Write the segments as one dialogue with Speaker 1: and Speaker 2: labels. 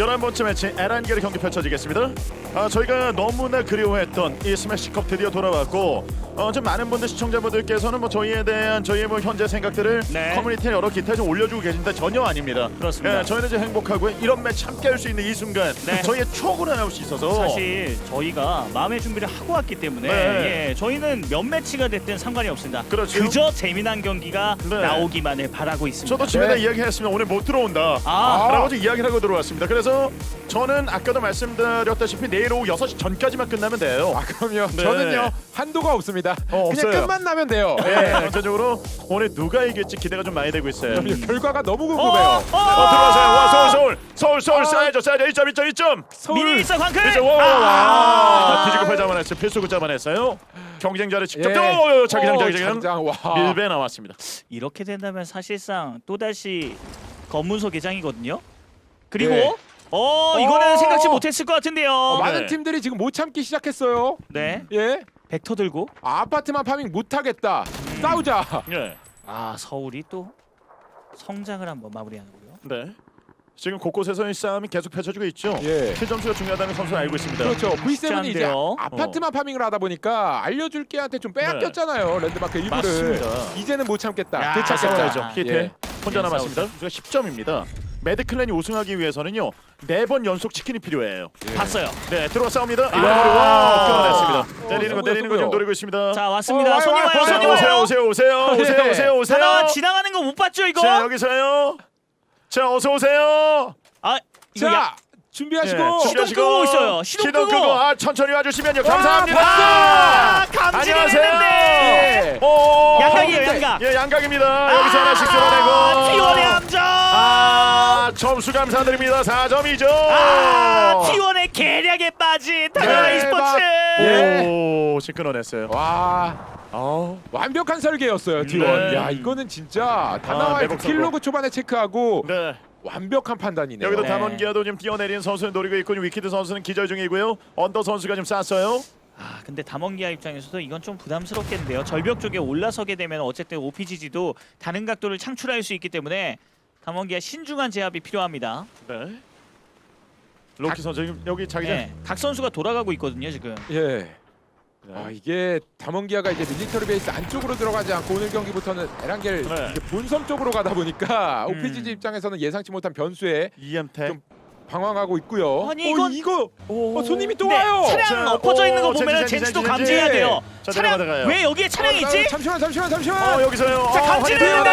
Speaker 1: 11번째 매치 에란겔의 경기 펼쳐지겠습니다. 저희가 너무나 그리워했던 이 스매시컵 드디어 돌아왔고 좀 많은 분들 시청자분들께서는 뭐 저희에 대한 저희의 뭐 현재 생각들을
Speaker 2: 네.
Speaker 1: 커뮤니티에 여러 기타에 좀 올려주고 계신데 전혀 아닙니다.
Speaker 2: 그렇습니다.
Speaker 1: 저희는 이제 행복하고요. 이런 매치 함께 할 수 있는 이 순간
Speaker 2: 네.
Speaker 1: 저희의 추억으로 나올 수 있어서
Speaker 2: 사실 저희가 마음의 준비를 하고 왔기 때문에
Speaker 1: 네.
Speaker 2: 예, 저희는 몇 매치가 됐든 상관이 없습니다.
Speaker 1: 그렇죠.
Speaker 2: 그저 재미난 경기가
Speaker 1: 네.
Speaker 2: 나오기만을 바라고 있습니다.
Speaker 1: 저도 집에다
Speaker 3: 네.
Speaker 1: 이야기했으면 오늘 못 들어온다 라고 좀 이야기를 하고 들어왔습니다. 그래서 저는 아까도 말씀드렸다시피 내일 오후 6시 전까지만 끝나면 돼요.
Speaker 3: 그럼요.
Speaker 1: 네.
Speaker 3: 저는요 한도가 없습니다. 그냥
Speaker 1: 없어요.
Speaker 3: 끝만 나면 돼요.
Speaker 1: 네, 전체적으로 오늘 누가 이길지 기대가 좀 많이 되고 있어요.
Speaker 3: 결과가 너무 궁금해요.
Speaker 1: 들어가세요. 와, 서울
Speaker 3: 아.
Speaker 1: 쌓여줘 1점.
Speaker 2: 미니미스 광클!
Speaker 1: 이제 뒤지고 팔 잡아냈어요. 필수구 잡아냈어요. 경쟁자를 직접
Speaker 3: 예.
Speaker 1: 자기장
Speaker 3: 장장 와.
Speaker 1: 밀배 나왔습니다.
Speaker 2: 이렇게 된다면 사실상 또다시 검문소 개장이거든요. 그리고
Speaker 3: 네.
Speaker 2: 이거는 생각지 못했을 것 같은데요.
Speaker 3: 많은
Speaker 1: 네.
Speaker 3: 팀들이 지금 못 참기 시작했어요.
Speaker 2: 네,
Speaker 3: 예.
Speaker 2: 벡터 들고
Speaker 3: 아파트만 파밍 못 하겠다. 싸우자.
Speaker 1: 예.
Speaker 2: 서울이 또 성장을 한번 마무리하고요.
Speaker 1: 네. 지금 곳곳에서의 싸움이 계속 펼쳐지고 있죠.
Speaker 3: 예.
Speaker 1: 킬 점수가 중요하다는 선수는 알고 있습니다.
Speaker 3: 그렇죠. V7이 이제
Speaker 2: 않은데요.
Speaker 3: 아파트만 파밍을 하다 보니까 알려줄 게한테 좀 빼앗겼잖아요. 랜드마크 일부를.
Speaker 1: 맞습니다.
Speaker 3: 이제는 못 참겠다.
Speaker 2: 야,
Speaker 3: 되찾겠다.
Speaker 1: 싸워야죠. 히트
Speaker 3: 예.
Speaker 1: 혼자
Speaker 2: 예,
Speaker 1: 남았습니다. 선수가 10점입니다. 매드클랜이 우승하기 위해서는요 4번 연속 치킨이 필요해요.
Speaker 2: 봤어요.
Speaker 1: 네, 들어와 싸웁니다.
Speaker 2: 아.
Speaker 1: 끊어냈습니다. 때리는 거
Speaker 3: 승부요.
Speaker 1: 좀 노리고 있습니다.
Speaker 2: 자 왔습니다.
Speaker 3: 와요,
Speaker 2: 손님
Speaker 3: 와요,
Speaker 2: 와요.
Speaker 3: 와요,
Speaker 2: 손님
Speaker 3: 와요.
Speaker 2: 와요.
Speaker 1: 오세요.
Speaker 2: 하나 지나가는 거 못 봤죠 이거?
Speaker 1: 자, 여기서요. 자, 어서 오세요.
Speaker 2: 아 이거
Speaker 3: 자, 준비하시고.
Speaker 1: 예,
Speaker 2: 시동 끄고 있어요. 시동 끄고.
Speaker 1: 천천히 와주시면요. 감사합니다.
Speaker 2: 아, 감지를
Speaker 1: 안녕하세요.
Speaker 2: 했는데.
Speaker 3: 예.
Speaker 1: 오,
Speaker 2: 양각이에요, 양각.
Speaker 1: 예, 양각입니다. 여기서 하나씩 끌어내고.
Speaker 2: T1의 함정.
Speaker 1: 점수 감사드립니다. 4점이죠.
Speaker 2: T1의 계략에 빠진 다나와
Speaker 3: 예,
Speaker 2: e스포츠.
Speaker 3: 예.
Speaker 1: 오, 끊어냈어요.
Speaker 3: 와. 완벽한 설계였어요, T1.
Speaker 1: 네.
Speaker 3: 야, 이거는 진짜 다나와의
Speaker 1: 매복 성공.
Speaker 3: 킬로그 초반에 체크하고
Speaker 1: 네.
Speaker 3: 완벽한 판단이네요.
Speaker 1: 여기도
Speaker 2: 네.
Speaker 1: 담원기아도 지금 뛰어내리는 선수를 노리고 있고 위키드 선수는 기절 중이고요. 언더 선수가 좀 쐈어요.
Speaker 2: 근데 담원기아 입장에서도 이건 좀 부담스럽겠는데요. 절벽 쪽에 올라서게 되면 어쨌든 OPGG도 다른 각도를 창출할 수 있기 때문에 담원기아 신중한 제압이 필요합니다.
Speaker 1: 네. 로키 선수 지금 여기 자기장.
Speaker 2: 네, 각 선수가 돌아가고 있거든요 지금.
Speaker 3: 예.
Speaker 1: 네.
Speaker 3: 이게 담원기아가 이제 밀리터리 베이스 안쪽으로 들어가지 않고 오늘 경기부터는 에란겔
Speaker 1: 네.
Speaker 3: 이제 본섬 쪽으로 가다 보니까 OPGG 입장에서는 예상치 못한 변수에
Speaker 1: EM택.
Speaker 3: 좀 방황하고 있고요.
Speaker 2: 아니, 이건-
Speaker 3: 이거 손님이 또
Speaker 2: 근데
Speaker 3: 와요.
Speaker 2: 차량
Speaker 1: 자,
Speaker 2: 엎어져 있는 거
Speaker 1: 오,
Speaker 2: 보면
Speaker 1: 젠지,
Speaker 2: 젠지도
Speaker 1: 젠지,
Speaker 2: 감지해야
Speaker 1: 젠지.
Speaker 2: 돼요.
Speaker 1: 자,
Speaker 2: 차량
Speaker 1: 내려가다가요.
Speaker 2: 왜 여기에 차량이 있지?
Speaker 3: 잠시만.
Speaker 1: 여기서요.
Speaker 2: 자, 감지되는데!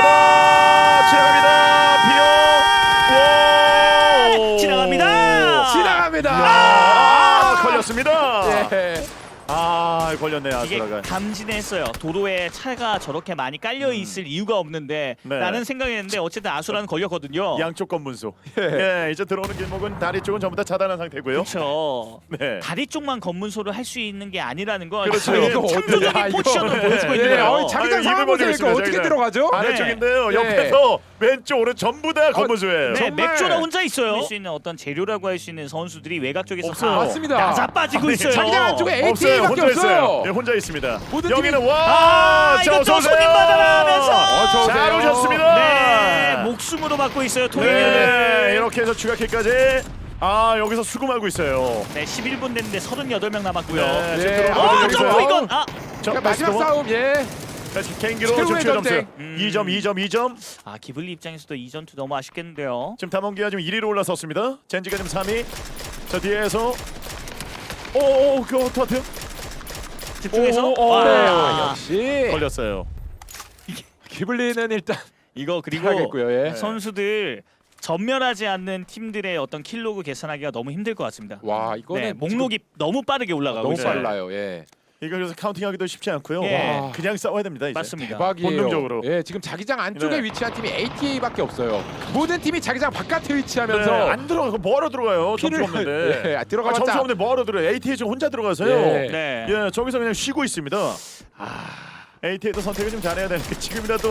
Speaker 1: 지나갑니다. 와!
Speaker 2: 지나갑니다.
Speaker 3: 지나갑니다.
Speaker 1: 걸렸습니다.
Speaker 3: 예.
Speaker 1: 걸렸네요.
Speaker 2: 이게
Speaker 1: 아수라가.
Speaker 2: 감지했어요. 도로에 차가 저렇게 많이 깔려 있을 이유가 없는데
Speaker 1: 네.
Speaker 2: 라는 생각했는데 어쨌든 아수라는 걸렸거든요.
Speaker 1: 양쪽 검문소.
Speaker 3: 예.
Speaker 1: 예, 이제 들어오는 길목은 다리 쪽은 전부 다 차단한 상태고요.
Speaker 2: 그렇죠.
Speaker 1: 네.
Speaker 2: 다리 쪽만 검문소를 할 수 있는 게 아니라는 걸
Speaker 1: 그렇죠.
Speaker 2: 지금
Speaker 1: 이거
Speaker 2: 창조적인
Speaker 3: 어디야, 이거.
Speaker 2: 포지션을 보여주고 있는
Speaker 3: 예.
Speaker 2: 거예요.
Speaker 3: 자기장
Speaker 1: 아유,
Speaker 3: 상황
Speaker 1: 입을
Speaker 3: 보세요.
Speaker 1: 벌리고
Speaker 3: 이거
Speaker 1: 있습니다,
Speaker 3: 어떻게
Speaker 1: 자기장.
Speaker 3: 들어가죠?
Speaker 1: 아래쪽인데요.
Speaker 3: 예.
Speaker 1: 옆에서 왼쪽 오른 전부 다 검문소예요.
Speaker 2: 네,
Speaker 3: 정말.
Speaker 2: 맥주나 혼자 있어요. 할 수 있는 어떤 재료라고 할 수 있는 선수들이 외곽 쪽에서
Speaker 1: 없어요.
Speaker 2: 다
Speaker 3: 맞습니다.
Speaker 2: 나자빠지고
Speaker 1: 아니,
Speaker 2: 있어요.
Speaker 3: 자기장 안쪽에
Speaker 1: 없어요.
Speaker 3: ATA밖에
Speaker 1: 혼자 있어요.
Speaker 3: 없어요.
Speaker 1: 예, 혼자 있습니다.
Speaker 3: 모든
Speaker 1: 여기는
Speaker 3: 팀이-
Speaker 1: 와! 자,
Speaker 2: 이거
Speaker 1: 어서
Speaker 2: 또
Speaker 1: 오세요.
Speaker 2: 손님 받아라 하면서
Speaker 3: 어서 오세요.
Speaker 1: 잘 오셨습니다.
Speaker 2: 네, 목숨으로 받고 있어요. 토이는.
Speaker 1: 네, 이렇게 해서 추가킬까지. 여기서 수금하고 있어요.
Speaker 2: 네, 11분 됐는데 38명 남았고요.
Speaker 1: 네, 지금
Speaker 3: 예.
Speaker 1: 들어오는
Speaker 2: 점프
Speaker 1: 여기서요.
Speaker 2: 이건
Speaker 3: 그러니까 마지막 싸움 예.
Speaker 1: 개인기로 지금
Speaker 3: 최후의
Speaker 1: 최점수
Speaker 3: 전쟁.
Speaker 1: 2점.
Speaker 2: 기블리 입장에서도 이 전투 너무 아쉽겠는데요.
Speaker 1: 지금 담원기가 지금 1위로 올라섰습니다. 젠지가 지금 3위. 자, 뒤에서 그거 어떡해요?
Speaker 2: 집중해서
Speaker 1: 오,
Speaker 3: 네,
Speaker 2: 와,
Speaker 3: 역시
Speaker 1: 걸렸어요.
Speaker 3: 기블리는 일단
Speaker 2: 이거 그리고
Speaker 3: 하겠고요. 예.
Speaker 2: 선수들 전멸하지 않는 팀들의 어떤 킬로그 계산하기가 너무 힘들 것 같습니다.
Speaker 3: 와 이거는
Speaker 2: 네, 목록이 너무 빠르게 올라가고
Speaker 3: 너무
Speaker 2: 있어요.
Speaker 3: 빨라요. 예.
Speaker 1: 이거 그래서 카운팅하기도 쉽지 않고요.
Speaker 2: 예.
Speaker 1: 와, 그냥 싸워야 됩니다. 이제.
Speaker 2: 맞습니다.
Speaker 3: 대박이에요.
Speaker 1: 본능적으로.
Speaker 3: 예, 지금 자기장 안쪽에
Speaker 1: 네.
Speaker 3: 위치한 팀이 ATA밖에 없어요. 모든 팀이 자기장 바깥에 위치하면서
Speaker 1: 네, 안 들어가. 뭐하러 들어가요? 점수
Speaker 3: 피를-
Speaker 1: 없는데.
Speaker 3: 예, 들어가봤자-
Speaker 1: 점수 없는데 뭐하러 들어요? ATA 지금 혼자 들어가서요.
Speaker 3: 예.
Speaker 2: 네.
Speaker 1: 예, 저기서 그냥 쉬고 있습니다. ATA도 선택을 좀 잘해야 되는데 지금이라도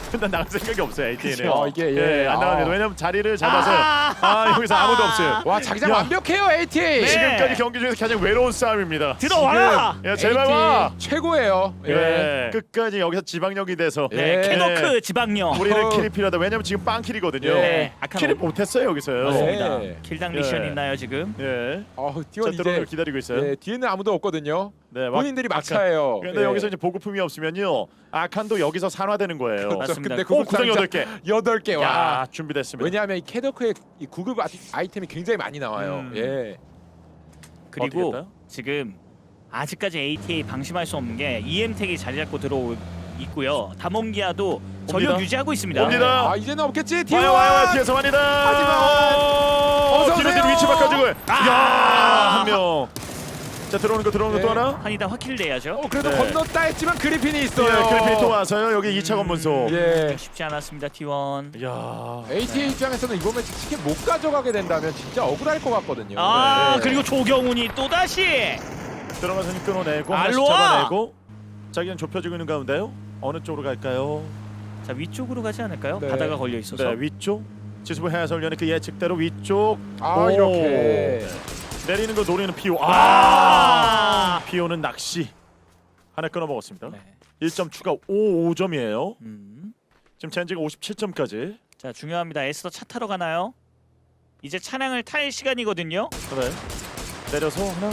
Speaker 1: 일단 나갈 생각이 없어요. AT는.
Speaker 3: 그렇죠. 이게, 예.
Speaker 1: 안 나갑니다. 왜냐면 자리를 잡아서 여기서 아무도 없어요.
Speaker 3: 와 자기장
Speaker 1: 야.
Speaker 3: 완벽해요 AT.
Speaker 2: 네.
Speaker 1: 지금까지 경기 중에서 가장 외로운 싸움입니다.
Speaker 2: 들어와라.
Speaker 1: 야 제발 와.
Speaker 3: 최고예요. 예.
Speaker 1: 예. 끝까지 여기서 지방력이 돼서
Speaker 2: 네,
Speaker 3: 예.
Speaker 2: 캐노크 지방령.
Speaker 1: 우리는
Speaker 3: 어.
Speaker 1: 킬이 필요하다. 왜냐면 지금 빵킬이거든요.
Speaker 3: 예.
Speaker 2: 아칸
Speaker 1: 킬을 못했어요 여기서요.
Speaker 2: 맞습니다.
Speaker 3: 예.
Speaker 2: 킬당 미션
Speaker 1: 예.
Speaker 2: 있나요 지금?
Speaker 1: 예.
Speaker 3: T1
Speaker 1: 자
Speaker 3: 이제
Speaker 1: 드론을 기다리고 있어요.
Speaker 3: 예, 뒤에는 아무도 없거든요.
Speaker 1: 네,
Speaker 3: 본인들이
Speaker 1: 아칸.
Speaker 3: 막차예요.
Speaker 1: 근데
Speaker 3: 예.
Speaker 1: 여기서 이제 보급품이 없으면요. 아칸도 여기서 산화되는 거예요.
Speaker 3: 그렇죠.
Speaker 2: 맞습니다.
Speaker 3: 근데
Speaker 1: 오, 구성
Speaker 3: 구급상자
Speaker 1: 8개.
Speaker 3: 8개 와.
Speaker 1: 야, 준비됐습니다.
Speaker 3: 왜냐하면 이 캐더크의 이 구급 아이템이 굉장히 많이 나와요. 예.
Speaker 2: 그리고
Speaker 1: 어떻게 했나요?
Speaker 2: 지금 아직까지 ATA 방심할 수 없는 게 EM택이 자리 잡고 들어오고 있고요. 다몽기아도 전력
Speaker 1: 옵니다.
Speaker 2: 유지하고 있습니다.
Speaker 1: 옵니다.
Speaker 3: 아 이제는 없겠지. T1.
Speaker 1: 와요 뒤에서 완이다.
Speaker 3: 어서
Speaker 1: 뒤로
Speaker 3: 오세요.
Speaker 1: 위치 바꿔주고.
Speaker 2: 아!
Speaker 1: 야, 한 명. 자 들어오는 거
Speaker 3: 네.
Speaker 1: 또 하나.
Speaker 2: 한이다 확킬을 내야죠.
Speaker 3: 그래도
Speaker 1: 네.
Speaker 3: 건넜다 했지만 그리핀이 있어요.
Speaker 1: 예, 그래픽 또 와서요. 여기 2차 건문소.
Speaker 3: 예.
Speaker 2: 쉽지 않았습니다 T1.
Speaker 1: 야.
Speaker 3: ATA 입장에서는 이번 매치 치킨 못 가져가게 된다면 진짜 억울할 것 같거든요.
Speaker 2: 아
Speaker 3: 네.
Speaker 2: 그리고 조경훈이 또 다시
Speaker 1: 들어가서 힘 끊어내고 하나씩
Speaker 2: 알로아!
Speaker 1: 잡아내고. 자기는 좁혀지고 있는 가운데요. 어느 쪽으로 갈까요?
Speaker 2: 자 위쪽으로 가지 않을까요?
Speaker 3: 네.
Speaker 2: 바다가 걸려 있어서.
Speaker 1: 네, 위쪽. 지수부 해설위원의 그 예측대로 위쪽.
Speaker 3: 아
Speaker 1: 오.
Speaker 3: 이렇게.
Speaker 1: 내리는 거 노리는 피오. 피오는 낚시. 하나 끊어 먹었습니다.
Speaker 2: 네.
Speaker 1: 1점 추가 5점이에요. 지금 젠지가 57점까지.
Speaker 2: 자 중요합니다. 에스더 차 타러 가나요? 이제 차량을 탈 시간이거든요.
Speaker 1: 그래. 내려서 하나.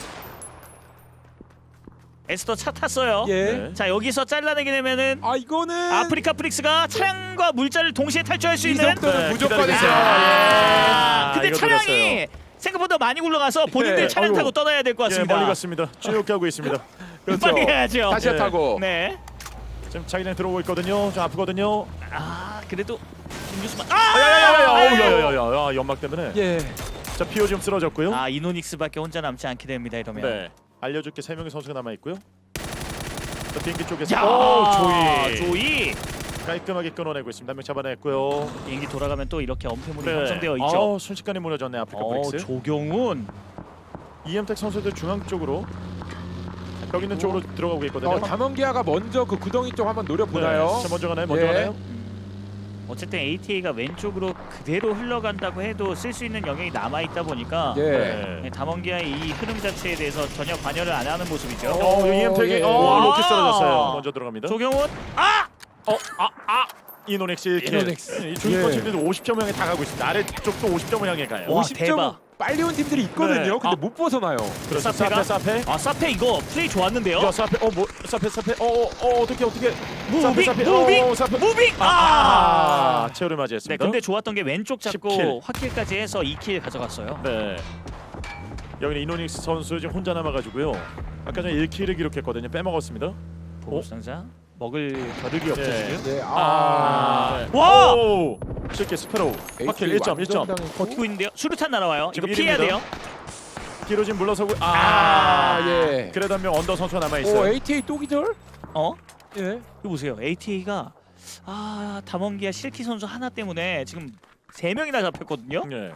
Speaker 2: 에스더 차 탔어요.
Speaker 3: 예.
Speaker 1: 네.
Speaker 2: 자 여기서 잘라내게 되면은
Speaker 3: 아 이거는
Speaker 2: 아프리카 프릭스가 차량과 물자를 동시에 탈출할 수
Speaker 3: 이
Speaker 2: 있는.
Speaker 3: 정도는
Speaker 1: 네,
Speaker 3: 무조건이죠.
Speaker 1: 기다리고 있어요.
Speaker 2: 아, 근데
Speaker 1: 이거
Speaker 2: 차량이
Speaker 1: 들었어요.
Speaker 2: 생각보다 많이 굴러가서 본인들
Speaker 3: 네,
Speaker 2: 차량
Speaker 1: 아이고.
Speaker 2: 타고 떠나야 될 것
Speaker 1: 예,
Speaker 2: 같습니다.
Speaker 1: 멀리 갔습니다. 쭉 가고 있습니다.
Speaker 3: 그렇죠.
Speaker 2: 빨리 가야죠.
Speaker 3: 다시
Speaker 1: 네.
Speaker 3: 타고.
Speaker 2: 네.
Speaker 1: 지금 자기장 들어오고 있거든요. 좀 아프거든요.
Speaker 2: 아 그래도 김규수만.
Speaker 1: 야야야야야야야야 연막 때문에.
Speaker 3: 예.
Speaker 1: 자 피오 지금 쓰러졌고요.
Speaker 2: 아 이노닉스밖에 혼자 남지 않게 됩니다 이러면.
Speaker 1: 네. 알려줄게 3명의 선수가 남아 있고요. 자 비행기 쪽에서
Speaker 2: 야
Speaker 1: 오, 조이
Speaker 2: 조이.
Speaker 1: 깔끔하게 끊어내고 있습니다. 한 명 잡아냈고요.
Speaker 2: 비행기 돌아가면 또 이렇게 엄폐물이
Speaker 1: 네.
Speaker 2: 형성되어 있죠.
Speaker 1: 순식간에 무너졌네 아프리카 프릭스.
Speaker 2: 조경훈.
Speaker 1: 이엠텍 선수들 중앙 쪽으로 여기 있는 쪽으로 들어가고 있거든요.
Speaker 3: 담원기아가 먼저 그 구덩이 쪽 한번 노려보나요?
Speaker 1: 자 먼저 가나요? 먼저
Speaker 3: 예.
Speaker 1: 가나요?
Speaker 2: 어쨌든 ATA가 왼쪽으로 그대로 흘러간다고 해도 쓸 수 있는 영역이 남아 있다 보니까
Speaker 3: 예.
Speaker 1: 네.
Speaker 2: 담원기아의 이 흐름 자체에 대해서 전혀 관여를 안 하는 모습이죠.
Speaker 1: 이엠텍이
Speaker 3: 예.
Speaker 1: 로켓 떨어졌어요. 먼저 들어갑니다.
Speaker 2: 조경훈. 아!
Speaker 1: 이노넥스 1킬.
Speaker 3: 이노넥스.
Speaker 1: 이 중위권
Speaker 3: 예.
Speaker 1: 팀들도 50점 향해 다 가고 있습니다. 아래쪽도 50점을 향해 가요.
Speaker 2: 와,
Speaker 3: 50점
Speaker 2: 대박.
Speaker 3: 빨리 온 팀들이 있거든요.
Speaker 1: 네.
Speaker 3: 근데 못 벗어나요.
Speaker 1: 그렇죠.
Speaker 2: 사페가?
Speaker 1: 사페.
Speaker 2: 아 사페 이거 플레이 좋았는데요.
Speaker 1: 야 사페. 뭐 사페. 어떻게
Speaker 2: 무빙
Speaker 1: 사페.
Speaker 2: 무빙
Speaker 1: 사페.
Speaker 2: 무빙.
Speaker 1: 체어를
Speaker 2: 네
Speaker 1: 맞이했습니다.
Speaker 2: 근데 좋았던 게 왼쪽 잡고
Speaker 1: 10킬.
Speaker 2: 확킬까지 해서 2킬 가져갔어요.
Speaker 1: 네. 여기는 이노닉스 선수 지금 혼자 남아가지고요. 아까 전에 1킬을 기록했거든요. 빼먹었습니다.
Speaker 2: 보급상자 먹을 겨를이 없죠
Speaker 1: 네.
Speaker 2: 지금.
Speaker 3: 예.
Speaker 2: 와!
Speaker 1: 오! 쉽게 스페로우. 확킬 1점.
Speaker 2: 버티고 있는데요. 수류탄 날아와요. 이거
Speaker 1: 지금
Speaker 2: 피해야
Speaker 1: 일입니다.
Speaker 2: 돼요.
Speaker 1: 뒤로 지금 물러서고.
Speaker 3: 예.
Speaker 1: 그래도 한 명 언더 선수가 남아
Speaker 3: 오
Speaker 1: 있어요.
Speaker 3: ATA 또 기절?
Speaker 2: 어?
Speaker 3: 예.
Speaker 2: 이거 보세요. ATA가 담원기아 실키 선수 하나 때문에 지금 3명이나 잡혔거든요.
Speaker 1: 네.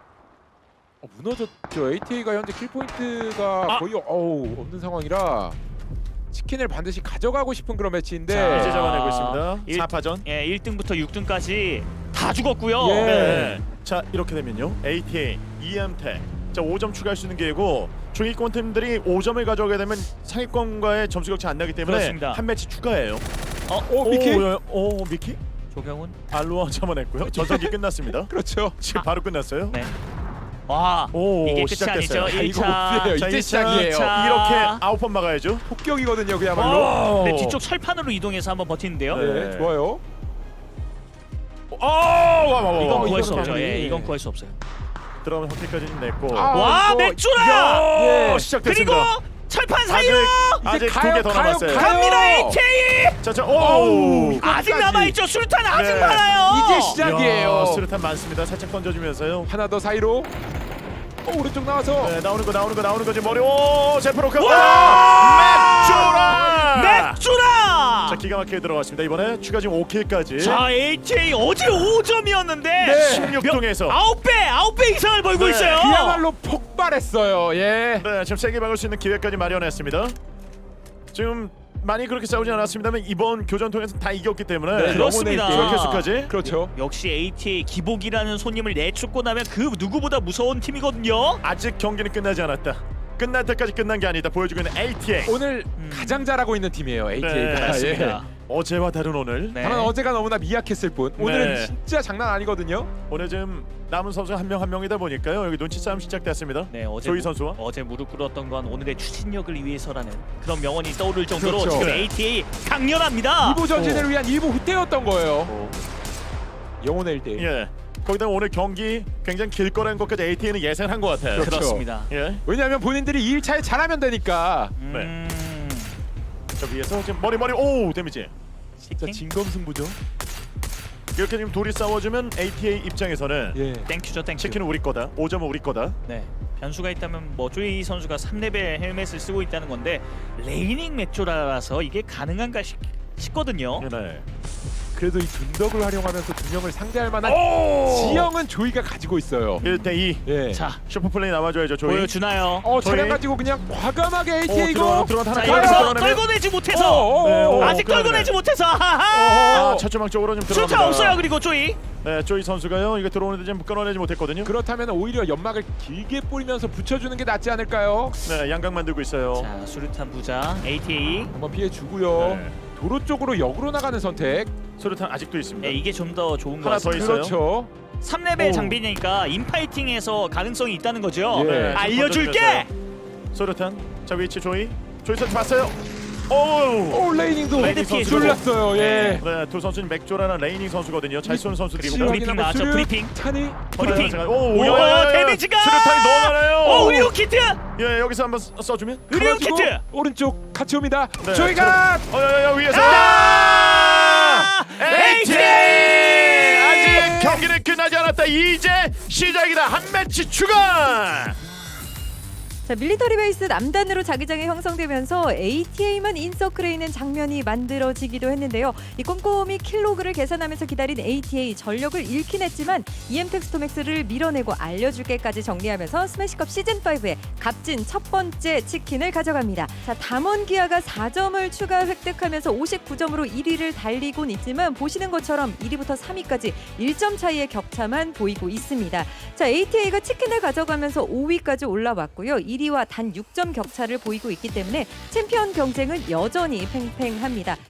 Speaker 3: 무너졌죠. ATA가 현재 킬 포인트가 거의 없는 상황이라 치킨을 반드시 가져가고 싶은 그런 매치인데.
Speaker 2: 자,
Speaker 1: 이제
Speaker 2: 아.
Speaker 1: 잡아내고 있습니다.
Speaker 2: 일-
Speaker 1: 4파전.
Speaker 2: 예, 1등부터 6등까지 다 죽었고요.
Speaker 3: 예.
Speaker 1: 네. 자 이렇게 되면요. ATA, EM텍. 자 5점 추가할 수 있는 게고 중위권 팀들이 5점을 가져오게 되면 상위권과의 점수 격차 안 나기 때문에
Speaker 2: 그렇습니다.
Speaker 1: 한 매치 추가해요.
Speaker 3: 미키?
Speaker 1: 미키?
Speaker 2: 조경훈.
Speaker 1: 알로아 잡아냈고요. 전성기 끝났습니다.
Speaker 3: 그렇죠.
Speaker 1: 지금 바로 끝났어요.
Speaker 2: 네. 와,
Speaker 1: 오,
Speaker 2: 이게 끝이
Speaker 1: 시작됐어요.
Speaker 2: 아니죠.
Speaker 3: 아, 이거
Speaker 2: 1차.
Speaker 3: 없어요.
Speaker 1: 자,
Speaker 3: 이제
Speaker 1: 1차.
Speaker 3: 시작이에요.
Speaker 2: 자.
Speaker 1: 이렇게 9번 막아야죠.
Speaker 3: 폭격이거든요, 그야말로.
Speaker 2: 네, 뒤쪽 철판으로 이동해서 한번 버티는데요.
Speaker 1: 네.
Speaker 3: 네, 좋아요.
Speaker 2: 이건 구할 수
Speaker 3: 이건
Speaker 2: 없죠.
Speaker 3: 아니에요.
Speaker 2: 예, 이건 구할 수 없어요.
Speaker 1: 들어가면 선택까지 좀 냈고.
Speaker 2: 와,
Speaker 3: 이거-
Speaker 2: 맥주라!
Speaker 3: 예.
Speaker 2: 그리고
Speaker 1: 시작됐습니다.
Speaker 2: 철판 사이로
Speaker 1: 아직 두
Speaker 3: 가요,
Speaker 1: 개 더
Speaker 3: 가요,
Speaker 1: 남았어요.
Speaker 3: 가요.
Speaker 2: 갑니다. ATA!
Speaker 1: 자,
Speaker 3: 어우.
Speaker 2: 아직
Speaker 3: 끝까지.
Speaker 2: 남아있죠. 수류탄 아직
Speaker 1: 네.
Speaker 2: 많아요.
Speaker 3: 이제 시작이에요.
Speaker 1: 수류탄 많습니다. 살짝 던져주면서요.
Speaker 3: 하나 더 사이로. 오른쪽 나와서.
Speaker 1: 네, 나오는 거 지금 머리. 오, 제프로크.
Speaker 2: 와!
Speaker 1: 맥주라!
Speaker 2: 맥주라!
Speaker 1: 자, 기가 막히게 들어갔습니다. 이번에 추가 지금 5킬까지.
Speaker 2: 자, ATA 어제 5점이었는데
Speaker 3: 네.
Speaker 1: 16동에서.
Speaker 2: 9배 이상을 벌고
Speaker 1: 네.
Speaker 2: 있어요.
Speaker 3: 그야말로 폭발했어요. 예.
Speaker 1: 네, 지금 세게 막을 수 있는 기회까지 마련했습니다. 지금 많이 그렇게 싸우지 않았습니다만 이번 교전 통해서 다 이겼기 때문에
Speaker 3: 네,
Speaker 2: 그렇습니다.
Speaker 3: 영혼의
Speaker 1: 이렇게 수까지.
Speaker 3: 그렇죠.
Speaker 2: 역시 ATA 기복이라는 손님을 내쫓고 나면 그 누구보다 무서운 팀이거든요.
Speaker 1: 아직 경기는 끝나지 않았다. 끝날 때까지 끝난 게 아니다. 보여주고 있는 ATA.
Speaker 3: 오늘 가장 잘하고 있는 팀이에요. ATA가.
Speaker 1: 네,
Speaker 2: 맞습니다.
Speaker 1: 어제와 다른 오늘.
Speaker 2: 네.
Speaker 3: 다만 어제가 너무나 미약했을 뿐 오늘은
Speaker 1: 네.
Speaker 3: 진짜 장난 아니거든요.
Speaker 1: 오늘 지금 남은 선수 한 명 한 명이다 보니까요. 여기 눈치 싸움 시작됐습니다.
Speaker 2: 네, 어제
Speaker 1: 조이 선수와.
Speaker 2: 어제 무릎 꿇었던 건 오늘의 추진력을 위해서라는 그런 명언이 떠오를 정도로
Speaker 3: 그렇죠.
Speaker 2: 지금
Speaker 1: 네.
Speaker 2: ATA 강렬합니다.
Speaker 3: 2부 전진을 위한 2부 후퇴였던 거예요.
Speaker 1: 어.
Speaker 3: 영혼의 1대1.
Speaker 1: 예. 거기다 오늘 경기 굉장히 길 거라는 것까지 ATA는 예상한 것 같아요.
Speaker 3: 그렇죠.
Speaker 2: 그렇습니다.
Speaker 1: 예.
Speaker 3: 왜냐하면 본인들이 2일차에 잘하면 되니까.
Speaker 1: 저 위에서 지금 머리 오 데미지.
Speaker 3: 진짜
Speaker 2: 치킨?
Speaker 3: 진검승부죠.
Speaker 1: 이렇게 지금 둘이 싸워주면 ATA 입장에서는
Speaker 3: 예.
Speaker 2: 땡큐죠, 땡큐.
Speaker 1: 치킨은 우리 거다. 5점은 우리 거다.
Speaker 2: 네. 변수가 있다면 뭐 조이 선수가 3레벨 헬멧을 쓰고 있다는 건데 레이닝 맥조라서 이게 가능한가 싶거든요.
Speaker 1: 네.
Speaker 3: 그래도 이 둔덕을 활용하면서 두 명을 상대할 만한
Speaker 1: 오!
Speaker 3: 지형은 조이가 가지고 있어요.
Speaker 1: 1대2.
Speaker 3: 예.
Speaker 2: 자,
Speaker 1: 슈퍼플레이 나와줘야죠. 조이.
Speaker 2: 보여주나요?
Speaker 3: 차량
Speaker 1: 조이.
Speaker 3: 가지고 그냥 과감하게 ATA고.
Speaker 1: 들어가
Speaker 2: 자,
Speaker 1: 하나
Speaker 2: 여기서
Speaker 1: 끌어내면-
Speaker 2: 떨궈내지 못해서
Speaker 1: 네,
Speaker 2: 아직
Speaker 1: 끌어내네.
Speaker 2: 떨궈내지 못해서 하하.
Speaker 1: 아, 차주망 쪽으로 좀 들어갑니다.
Speaker 2: 슈타 없어요. 그리고 조이.
Speaker 1: 네, 조이 선수가요. 이거 들어오는데 지금 끊어내지 못했거든요.
Speaker 3: 그렇다면 오히려 연막을 길게 뿌리면서 붙여주는 게 낫지 않을까요?
Speaker 1: 네, 양각 만들고 있어요.
Speaker 2: 자, 수류탄 부자 ATA.
Speaker 3: 한번 피해주고요.
Speaker 1: 네.
Speaker 3: 도로 쪽으로 역으로 나가는 선택.
Speaker 1: 수류탄 아직도 있습니다.
Speaker 2: 네, 이게 좀 더 좋은 것
Speaker 1: 하나 더
Speaker 2: 같습니다.
Speaker 1: 있어요.
Speaker 3: 그렇죠.
Speaker 2: 3레벨
Speaker 1: 오.
Speaker 2: 장비니까 인파이팅에서 가능성이 있다는 거죠.
Speaker 3: 예.
Speaker 1: 네,
Speaker 2: 알려줄게.
Speaker 1: 수류탄. 자, 위치 조이. 조이 선수 봤어요. 오!
Speaker 3: 오 레이닝도
Speaker 1: 레이닝 선수도.
Speaker 3: 쫄렸어요. 예.
Speaker 1: 네, 두 선수는 맥조라는 레이닝 선수거든요. 잘 쏘는 선수들이고.
Speaker 2: 브리핑 나왔죠, 브리핑.
Speaker 3: 찬이.
Speaker 2: 브리핑.
Speaker 1: 오,
Speaker 2: 오,
Speaker 1: 야야야야.
Speaker 2: 데미지가!
Speaker 1: 수류탄이 너무 많아요.
Speaker 2: 오, 의료 키트.
Speaker 1: 예, 여기서 한번 써주면.
Speaker 2: 의료
Speaker 3: 가지고
Speaker 2: 키트.
Speaker 3: 오른쪽 같이 옵니다.
Speaker 1: 네,
Speaker 3: 조이가
Speaker 1: 야야야 위에서.
Speaker 2: 아!
Speaker 1: ATA! 아직 경기는 끝나지 않았다. 이제 시작이다. 한 매치 추가.
Speaker 4: 자, 밀리터리 베이스 남단으로 자기장이 형성되면서 ATA만 인서클에 있는 장면이 만들어지기도 했는데요. 이 꼼꼼히 킬로그를 계산하면서 기다린 ATA 전력을 잃긴 했지만 EM텍스토맥스를 밀어내고 알려줄게까지 정리하면서 스매시컵 시즌5의 값진 첫 번째 치킨을 가져갑니다. 자, 담원기아가 4점을 추가 획득하면서 59점으로 1위를 달리곤 있지만 보시는 것처럼 1위부터 3위까지 1점 차이의 격차만 보이고 있습니다. 자, ATA가 치킨을 가져가면서 5위까지 올라왔고요. 1위와 단 6점 격차를 보이고 있기 때문에 챔피언 경쟁은 여전히 팽팽합니다.